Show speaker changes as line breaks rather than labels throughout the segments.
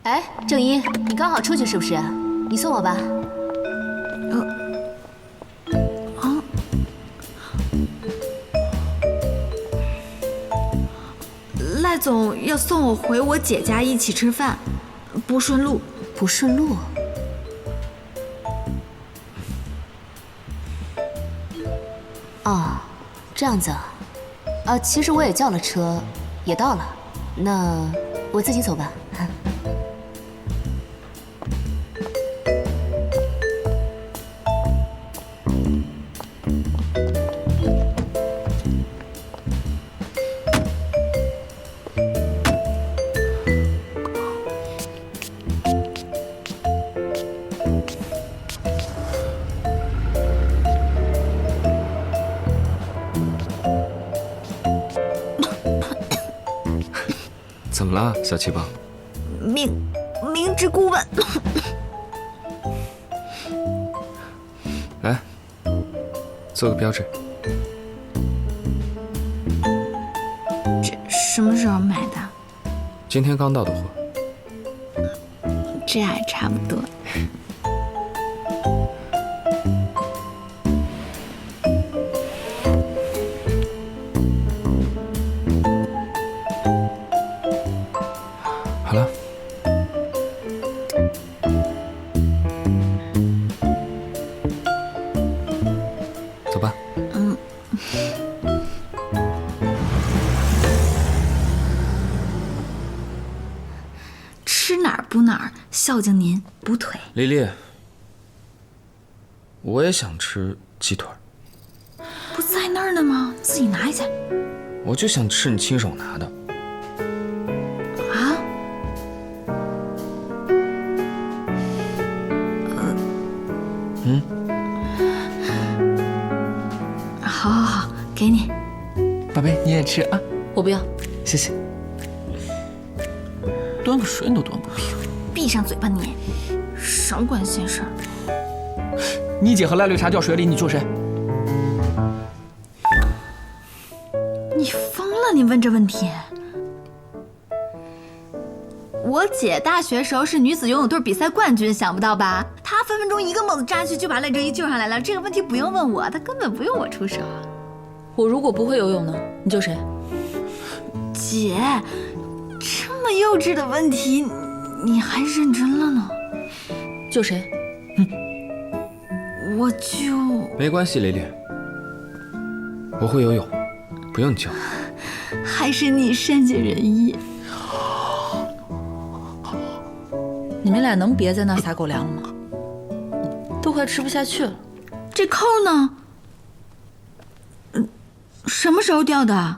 哎，郑一，你刚好出去是不是？你送我吧。
赖总要送我回我姐家一起吃饭，不顺路。
不顺路？哦，这样子啊。其实我也叫了车，也到了。那我自己走吧。
怎么了，小气棒？
明知故问。
来，做个标志。
这什么时候买的？
今天刚到的货。
这还差不多。
好了，走吧。
吃哪儿补哪儿，孝敬您补腿。
丽丽，我也想吃鸡腿，
不在那儿呢吗？自己拿一下。
我就想吃你亲手拿的。
啊？好，给你。
宝贝，你也吃啊？
我不要。
谢谢。端个水你都端不平。
闭上嘴吧你，少管闲事儿。
你姐和赖绿茶掉水里，你救谁？
你疯了？你问这问题？我姐大学时候是女子游泳队比赛冠军，想不到吧？她分分钟一个猛子扎去就把赖正一救上来了。这个问题不用问我，她根本不用我出手。
我如果不会游泳呢？你救谁？
姐，这么幼稚的问题，你还认真了呢？
救谁？
我就……
没关系，丽丽，我会游泳，不用你教。
还是你善解人意。
你们俩能别在那撒狗粮了吗？都快吃不下去了。
这扣呢？什么时候掉的？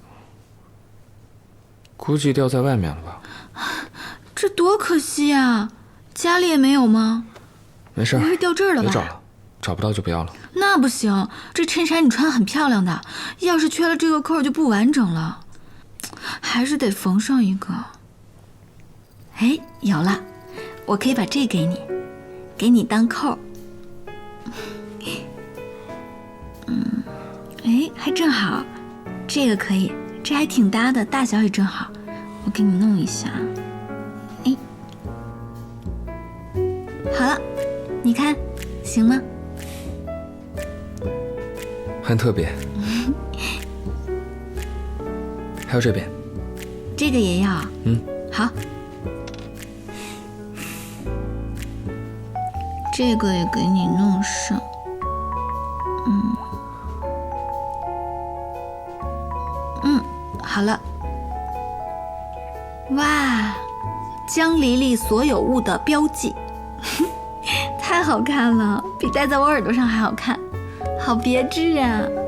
估计掉在外面了吧。
这多可惜啊！家里也没有吗？
没事，
不会掉这儿了吧？
别找了，找不到就不要了。
那不行，这衬衫你穿得很漂亮的，要是缺了这个扣就不完整了，还是得缝上一个。哎，有了，我可以把这给你，给你当扣。哎，还正好，这个可以，这还挺搭的，大小也正好，我给你弄一下。哎，好了，你看，行吗？
很特别。还有这边，
这个也要。好。这个也给你弄上。好了。哇，江离离所有物的标记，太好看了，比戴在我耳朵上还好看，好别致啊！